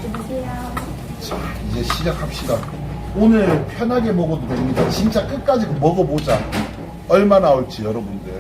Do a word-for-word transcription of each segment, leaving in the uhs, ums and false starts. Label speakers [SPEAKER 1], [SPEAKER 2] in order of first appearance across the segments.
[SPEAKER 1] 자, 이제 시작합시다. 오늘 편하게 먹어도 됩니다. 진짜 끝까지 먹어보자. 얼마 나올지 여러분들.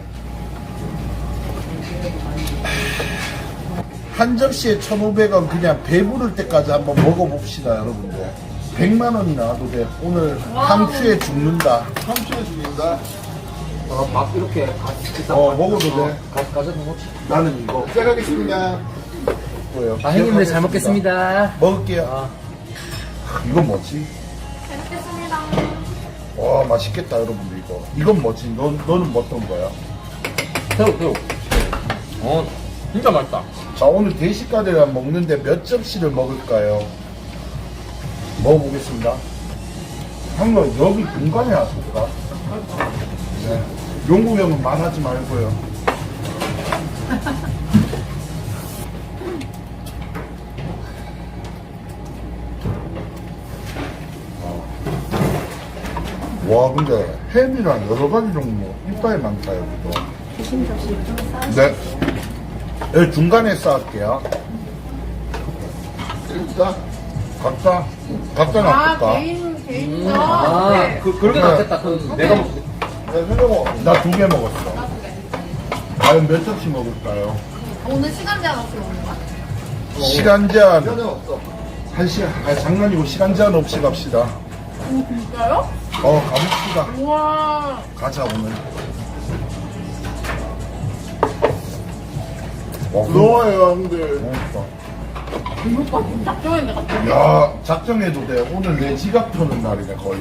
[SPEAKER 1] 한 접시에 천오백 원 그냥 배부를 때까지 한번 먹어봅시다 여러분들. 백만 원이 나와도 돼. 오늘 상추에 죽는다.
[SPEAKER 2] 삼촌에 죽인다.
[SPEAKER 3] 어, 밥 이렇게 같이
[SPEAKER 1] 어, 먹어도 돼.
[SPEAKER 3] 가, 가져다 놓지.
[SPEAKER 1] 나는 이거
[SPEAKER 2] 시작하겠습니다.
[SPEAKER 1] 뭐예요?
[SPEAKER 3] 아, 형님들 잘 먹겠습니다.
[SPEAKER 1] 먹을게요.
[SPEAKER 3] 아,
[SPEAKER 1] 이건 뭐지?
[SPEAKER 4] 잘 먹겠습니다.
[SPEAKER 1] 와 맛있겠다 여러분들 이거. 이건 뭐지? 너, 너는 뭐 어떤 거야?
[SPEAKER 3] 새우, 새우. 어, 진짜 맛있다.
[SPEAKER 1] 자 오늘 대식가들이랑 먹는데 몇 접시를 먹을까요? 먹어보겠습니다. 한번 여기 중간에 놔둘까? 네. 용국 형은 말하지 말고요. 어. 와 근데 햄이랑 여러 가지 종류 이빨 많다 여기도.
[SPEAKER 4] 드신 접시 좀 싸.
[SPEAKER 1] 네. 여기 중간에 쌓을게요.
[SPEAKER 2] 일단
[SPEAKER 1] 각자 각자
[SPEAKER 4] 아,
[SPEAKER 1] 놔둘까?
[SPEAKER 4] 개인, 개인.
[SPEAKER 3] 음,
[SPEAKER 4] 거.
[SPEAKER 3] 아,
[SPEAKER 4] 네.
[SPEAKER 3] 그, 그렇게
[SPEAKER 1] 네.
[SPEAKER 3] 낫겠다. 그, 내가 먹,
[SPEAKER 2] 네, 생각어.
[SPEAKER 1] 나 두 개 먹었어. 과연 몇 접시 먹을까요?
[SPEAKER 4] 오늘 시간 제한 없이 먹는 거야?
[SPEAKER 1] 시간 제한
[SPEAKER 2] 편은 없어.
[SPEAKER 1] 한 시간, 아 장난이고 시간 제한 없이 갑시다.
[SPEAKER 4] 오, 진짜요?
[SPEAKER 1] 어 가봅시다.
[SPEAKER 4] 우와.
[SPEAKER 1] 가자 오늘. 와,
[SPEAKER 2] 부러워요, 형들.
[SPEAKER 1] 그러니까.
[SPEAKER 4] 이거 진짜 작정했네, 갑자기.
[SPEAKER 1] 야 작정해도 돼. 오늘 내 지갑 터는 날이네 거의.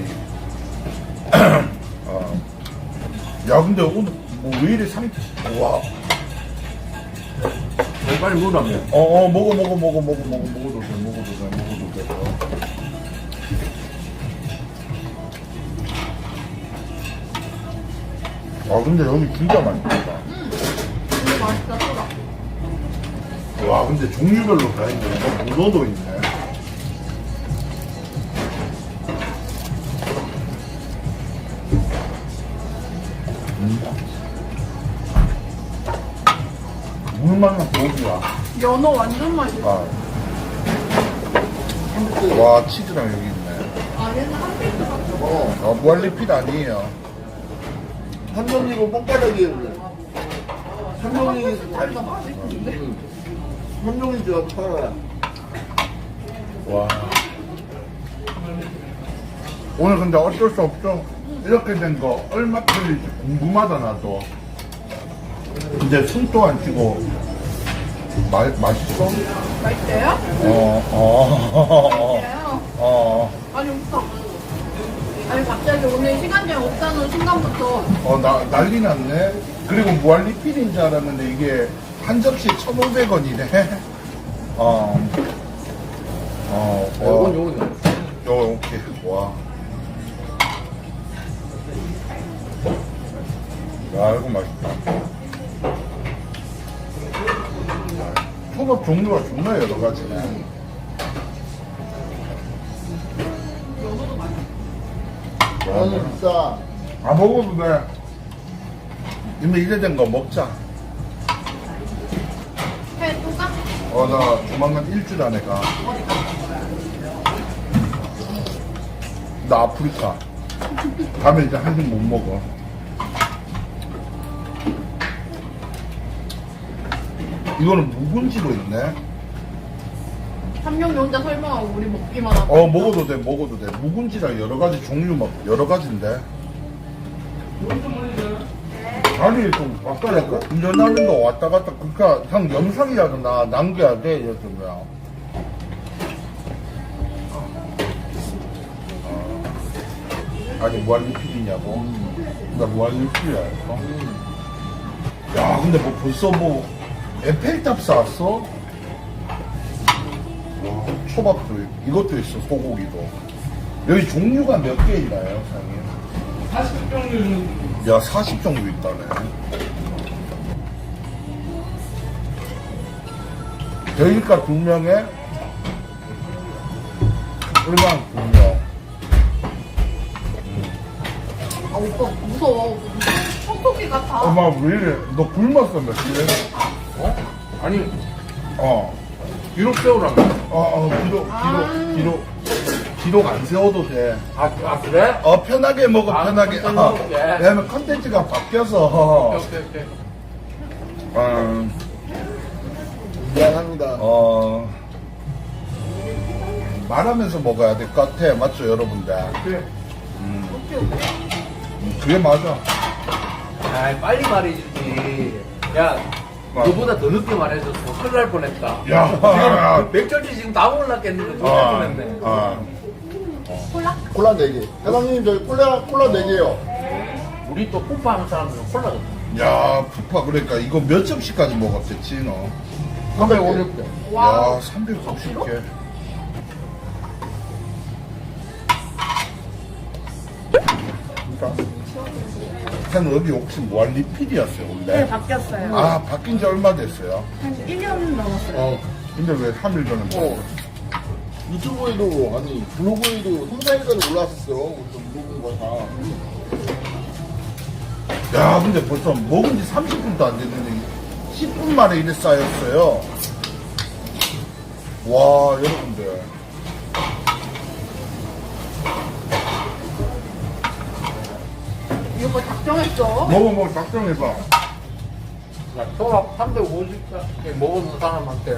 [SPEAKER 1] 어. 야 근데 오늘 뭐 왜 이래 상태? 와.
[SPEAKER 3] 빨리 먹으라며.
[SPEAKER 1] 어어 먹어 먹어 먹어 먹어 먹어 먹어도 돼 먹어도 돼 먹어도 돼. 어. 아 근데 여기 진짜 맛있다.
[SPEAKER 4] 이거 맛있다, 소라.
[SPEAKER 1] 와 근데 종류별로 다 있네. 뭐 문어도 있네. 물만한 고기야.
[SPEAKER 4] 연어 완전 맛있어.
[SPEAKER 1] 아. 와 치즈랑 여기 있네.
[SPEAKER 4] 아, 얘는 한 필드 같아.
[SPEAKER 2] 어.
[SPEAKER 1] 아 무한리필 아니에요.
[SPEAKER 2] 삼촌이고 뽕바닥이에요. 삼촌이 잘,
[SPEAKER 4] 맛있는데?
[SPEAKER 2] 삼촌이 저 팔아.
[SPEAKER 1] 와. 오늘 근데 어쩔 수 없죠. 이렇게 된 거 얼마 틀릴지 궁금하다 나도. 이제 숨도 안 쉬고 마, 맛있어?
[SPEAKER 4] 맛있대요?
[SPEAKER 1] 어, 어,
[SPEAKER 4] 맛있대요.
[SPEAKER 1] 어,
[SPEAKER 4] 아니, 없어. 아니, 갑자기 오늘 시간 제한 없다는 순간부터
[SPEAKER 1] 어, 나, 난리 났네. 그리고 무한리필인 줄 알았는데 이게 한 접시에 천오백 원이네. 어, 어,
[SPEAKER 3] 요건,
[SPEAKER 1] 어,
[SPEAKER 3] 요건.
[SPEAKER 1] 요, 오케이. 와. 야, 이거 맛있다. 초밥 종류가 존나 여러 가지네.
[SPEAKER 2] 나는 진짜
[SPEAKER 1] 아, 먹어도 돼. 이미 이래 된 거 먹자.
[SPEAKER 4] 회 또 가?
[SPEAKER 1] 어, 나 조만간 일주일 안에 가. 나 아프리카. 가면 이제 한식 못 먹어. 이거는 묵은지도 있네.
[SPEAKER 4] 삼룡이 혼자 설명하고 우리 먹기만 하고.
[SPEAKER 1] 어, 먹어도 돼, 먹어도 돼. 묵은지랑 여러 가지 종류 막, 여러 가지인데. 아니, 좀 왔다 갔다. 운전하는 거 왔다 갔다. 그니까, 형 영상이라도 나 남겨야 돼, 요즘에. 아니 무한리필이냐고? 나 무한리필이야. 야 근데 뭐 벌써 뭐 에펠탑 쌓았어? 와 초밥도 있- 이것도 있어 소고기도. 여기 종류가 몇 개 있나요 사장님?
[SPEAKER 3] 사십 종류는.
[SPEAKER 1] 야 사십 종류 있다네. 대일가 두 명에 일반 두 명.
[SPEAKER 4] 아, 오빠 무서워. 톡톡이 같아.
[SPEAKER 1] 엄마 왜 이래? 너 굶었어 며칠?
[SPEAKER 3] 어? 아니,
[SPEAKER 1] 어.
[SPEAKER 3] 기록 세우라며.
[SPEAKER 1] 어, 어, 기록, 기록, 기록. 기록 안 세워도 돼.
[SPEAKER 3] 아, 아 그래?
[SPEAKER 1] 어, 편하게 먹어,
[SPEAKER 3] 아,
[SPEAKER 1] 편하게.
[SPEAKER 3] 컨텐츠
[SPEAKER 1] 어,
[SPEAKER 3] 먹게.
[SPEAKER 1] 왜냐면 컨텐츠가 바뀌어서.
[SPEAKER 3] 오케이, 오케이.
[SPEAKER 1] 어,
[SPEAKER 2] 미안합니다.
[SPEAKER 1] 어, 말하면서 먹어야 될 것 같아. 맞죠, 여러분들?
[SPEAKER 3] 오케이.
[SPEAKER 1] 음, 그게 맞아.
[SPEAKER 3] 아, 빨리 말해주지. 야,
[SPEAKER 1] 아.
[SPEAKER 3] 너보다 더 늦게 말해줬어. 큰일 날 뻔했다.
[SPEAKER 1] 야,
[SPEAKER 3] 맥주지 지금 다 올랐겠는데 큰일 날
[SPEAKER 1] 아,
[SPEAKER 3] 뻔했네.
[SPEAKER 1] 아.
[SPEAKER 4] 콜라?
[SPEAKER 2] 콜라 네 개. 사장님, 저희 콜라, 콜라 네 개요.
[SPEAKER 3] 우리 또 푸파 하는 사람들은 콜라 줬어.
[SPEAKER 1] 야, 푸파, 그러니까 이거 몇 점씩까지 먹었댔지, 너?
[SPEAKER 3] 삼백오십 개.
[SPEAKER 1] 야, 삼백오십 개. 한 여기 혹시 무한 리필이었어요, 원래?
[SPEAKER 4] 네, 바뀌었어요.
[SPEAKER 1] 아, 바뀐 지 얼마 됐어요?
[SPEAKER 4] 한 일 년 넘었어요.
[SPEAKER 1] 어. 근데 왜 삼 일 전에
[SPEAKER 2] 어. 유튜브에도, 아니, 블로그에도 삼, 사 일 전에 올라왔었어요. 그래서 물어본 거야, 다.
[SPEAKER 1] 야, 근데 벌써 먹은 지 삼십 분도 안 됐는데 십 분 만에 이래 쌓였어요. 와, 여러분들.
[SPEAKER 4] 이거 뭐 작정했어?
[SPEAKER 1] 먹어, 먹어, 작정해봐.
[SPEAKER 3] 야, 초밥 삼백오십 개 먹은 사람한테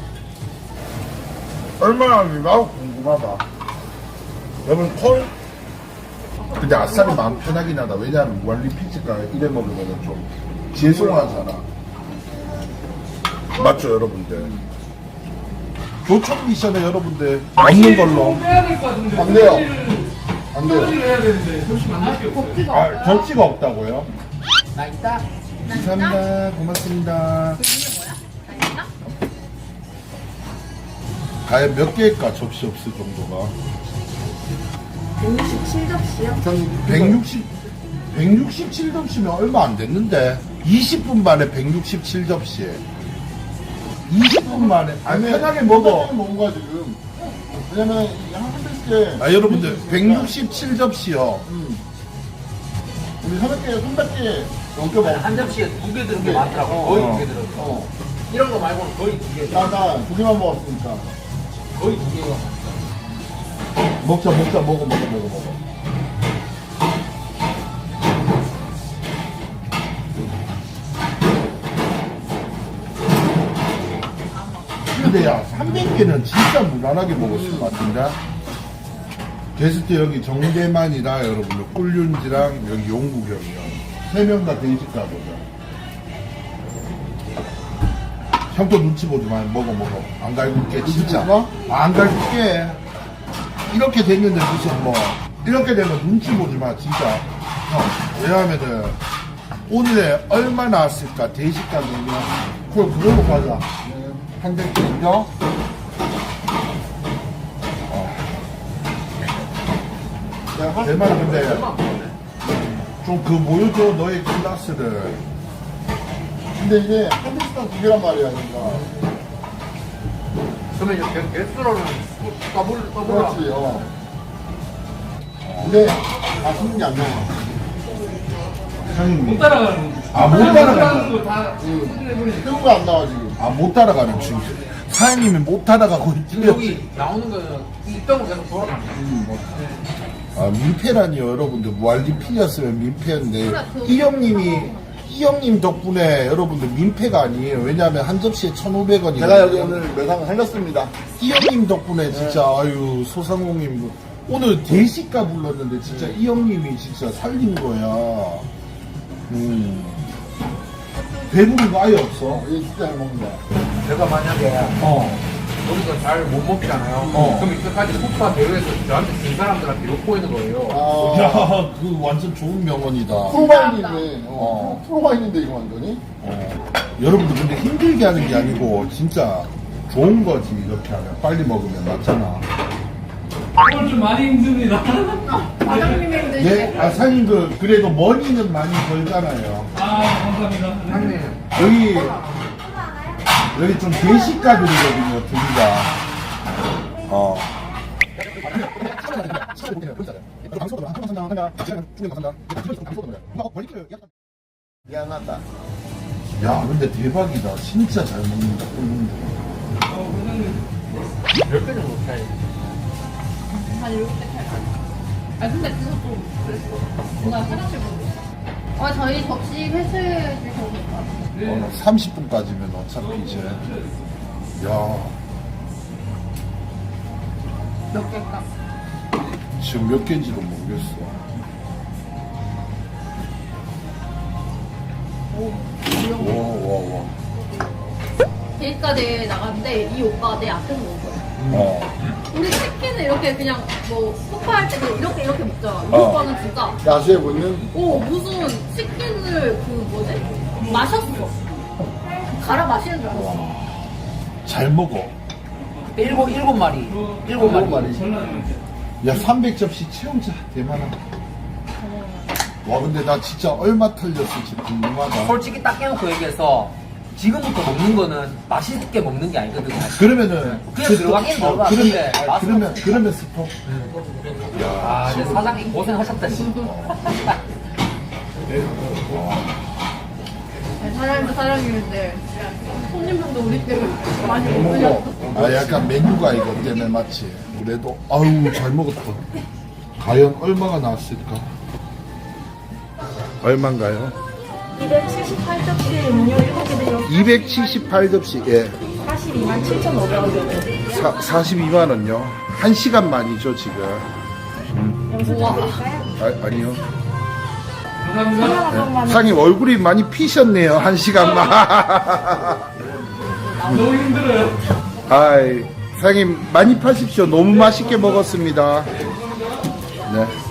[SPEAKER 1] 얼마나 나도 궁금하다. 여러분, 콜? 근데 아싸리 마음 편하긴 하다. 왜냐하면 무한리 피지가 이래 먹으면 좀 죄송하잖아. 맞죠, 여러분들? 교촌 미션에 여러분들 없는 걸로.
[SPEAKER 3] 빼야 될 것 같은데.
[SPEAKER 2] 안 돼요. 안 돼요.
[SPEAKER 3] 소리를 해야 되는데 조심 안 할게 없어요.
[SPEAKER 4] 복지가
[SPEAKER 1] 아,
[SPEAKER 4] 없다.
[SPEAKER 1] 접시가 없다고요?
[SPEAKER 3] 나 있다.
[SPEAKER 4] 나 있다?
[SPEAKER 1] 감사합니다. 고맙습니다.
[SPEAKER 4] 그 이게 뭐야? 나 있다?
[SPEAKER 1] 과연 몇 개일까, 접시 없을 정도가?
[SPEAKER 4] 백육십칠 접시요?
[SPEAKER 1] 백육십, 백육십칠 접시면 얼마 안 됐는데. 이십 분 만에 백육십칠 접시. 이십 분 만에. 아니, 편하게 먹어.
[SPEAKER 2] 편하게 먹은 거야, 지금. 왜냐면, 한 개.
[SPEAKER 1] 아, 여러분들, 백육십칠 접시요.
[SPEAKER 2] 음. 우리 삼백 개, 삼백 개 넘게 먹었어.
[SPEAKER 3] 한 접시에 두 개 들은 게
[SPEAKER 2] 네.
[SPEAKER 3] 많더라고.
[SPEAKER 2] 어.
[SPEAKER 3] 거의
[SPEAKER 1] 어.
[SPEAKER 3] 두 개 들었어.
[SPEAKER 2] 어.
[SPEAKER 3] 이런 거 말고는 거의 두 개.
[SPEAKER 2] 나, 나, 두 개만 먹었으니까.
[SPEAKER 3] 거의 두 개가.
[SPEAKER 1] 먹자, 먹자, 먹어, 먹어, 먹어, 먹어. 근데 야, 삼백 개는 진짜 무난하게 먹었을 것 같은데? 게스트 여기 정대만이랑 여러분들 꿀윤지랑 여기 용국형이요. 세 명 다 대식가 보자. 형도 눈치 보지 마. 먹어, 먹어. 안 갈굴게, 진짜.
[SPEAKER 2] 보지
[SPEAKER 1] 아, 안 갈굴게. 이렇게 됐는데 무슨 뭐. 이렇게 되면 눈치 보지 마, 진짜. 형, 왜냐하면은, 오늘에 얼마 나왔을까? 대식가 보면. 그걸 그걸로 가자. 한 대 인정?
[SPEAKER 2] 내가 한
[SPEAKER 1] 내 말은 근데, 좀 그 보여줘, 너의 클라스를.
[SPEAKER 2] 근데 이게 한 대씩당 두 개란 말이야, 그러니까.
[SPEAKER 3] 그러면 이제 개- 개수로는 더블 더블.
[SPEAKER 2] 그렇지, 어. 근데, 맛있는 게 안 나와.
[SPEAKER 1] 형님.
[SPEAKER 3] 못 따라가는.
[SPEAKER 1] 아, 못 따라가는
[SPEAKER 3] 거다.
[SPEAKER 2] 새우가 안 나와, 지금.
[SPEAKER 1] 아, 못 따라가는 중이 사장님이 못 따라가고
[SPEAKER 3] 지금
[SPEAKER 1] 있지.
[SPEAKER 3] 여기 나오는 거는 입병을 계속 돌아가는 거야.
[SPEAKER 1] 아, 민폐라니요, 여러분들. 무알리필이었으면 민폐인데.
[SPEAKER 4] 그래, 그-
[SPEAKER 1] 이 형님이, 이 형님 덕분에 여러분들 민폐가 아니에요. 왜냐하면 한 접시에 천오백 원이.
[SPEAKER 2] 제가 여기 오늘 매상을 살렸습니다.
[SPEAKER 1] 이 형님 덕분에 진짜, 아유, 소상공인. 오늘 대식가 불렀는데 진짜 이 형님이 진짜 살린 거야. 음. 배부른 거 아예 없어.
[SPEAKER 2] 이게 진짜 잘 먹는다.
[SPEAKER 3] 내가 만약에
[SPEAKER 1] 어.
[SPEAKER 3] 우리가 잘 못 먹잖아요.
[SPEAKER 1] 어.
[SPEAKER 3] 그럼 이때까지 폭파 대회에서 저한테 진 사람들한테 욕보이는 거예요.
[SPEAKER 2] 아,
[SPEAKER 1] 야, 그 완전 좋은 명언이다.
[SPEAKER 2] 프로바인이네. 어.
[SPEAKER 1] 어.
[SPEAKER 2] 프로바인인데, 이거 완전히.
[SPEAKER 1] 어. 여러분들 근데 힘들게 하는 게 아니고 진짜 좋은 거지. 이렇게 하면 빨리 먹으면 낫잖아.
[SPEAKER 5] 오늘 좀 많이 힘듭니다.
[SPEAKER 4] 과장님이 힘드시네.
[SPEAKER 1] 네, 아 사장님 그 그래도 머니는 많이 벌잖아요.
[SPEAKER 5] 아, 감사합니다.
[SPEAKER 3] 형님,
[SPEAKER 1] 여기 여기 좀 대식가들이거든요, 둘다. 어.
[SPEAKER 2] 미안하다.
[SPEAKER 1] 야, 근데 대박이다. 진짜 잘 먹는다. 꿀문주.
[SPEAKER 3] 몇 개 정도 차이?
[SPEAKER 4] 한 일곱 개 차이 나요. 아 근데 그거 좀 그랬어. 뭔가 화장실 보고. 아 저희 접시 회수해 주셔도 될 것 같아요.
[SPEAKER 1] 어, 삼십 분까지면 어차피 이제 야
[SPEAKER 4] 몇 개일까?
[SPEAKER 1] 지금 몇 개인지도 모르겠어.
[SPEAKER 4] 오, 이런 거.
[SPEAKER 1] 와와와.
[SPEAKER 4] 데이트까지 나갔는데 이 오빠가 내 앞에서 먹은 거야.
[SPEAKER 1] 어.
[SPEAKER 4] 우리 치킨은 이렇게 그냥 뭐 소파할 때도 이렇게 이렇게 먹잖아. 이
[SPEAKER 1] 어.
[SPEAKER 4] 오빠는 진짜
[SPEAKER 2] 야수해 보이는
[SPEAKER 4] 오 무슨 치킨을 그 뭐지? 마셨어. 갈아 마시는 줄 알았어.
[SPEAKER 1] 잘 먹어.
[SPEAKER 3] 일곱, 일곱 마리. 일곱 마리.
[SPEAKER 1] 야 삼백 접시 채우자 대만아. 와 근데 나 진짜 얼마 털렸을지 궁금하다.
[SPEAKER 3] 솔직히 딱 깨놓고 얘기해서 지금부터 먹는 거는 맛있게 먹는 게 아니거든.
[SPEAKER 1] 그러면은
[SPEAKER 3] 그냥 들어가긴 들어가.
[SPEAKER 1] 어, 그러면
[SPEAKER 3] 근데
[SPEAKER 1] 아,
[SPEAKER 3] 맛은
[SPEAKER 1] 그러면 그러면 스톱. 야
[SPEAKER 3] 아, 근데 사장님 고생하셨다, 진짜.
[SPEAKER 4] 아니, 사장님도 사장님인데 손님분도 우리 때문에 많이 먹으셨어.
[SPEAKER 1] 아 약간 메뉴가 이것 때문에 맞지. 그래도 아유 잘 먹었다. 과연 얼마가 나왔을까? 얼마인가요?
[SPEAKER 6] 이백칠십팔 접시 음료 일곱 개 들려
[SPEAKER 1] 이백칠십팔 접시 예.
[SPEAKER 6] 사십이만 칠천오백 원 정도.
[SPEAKER 1] 사, 사십이만 원요. 한 시간 만이죠 지금.
[SPEAKER 4] 우와.
[SPEAKER 1] 아, 아니요.
[SPEAKER 5] 감사합니다.
[SPEAKER 1] 상님 얼굴이 많이 피셨네요 한 시간만.
[SPEAKER 5] 너무 힘들어요.
[SPEAKER 1] 아이 상님 많이 파십시오. 너무 맛있게 먹었습니다. 네.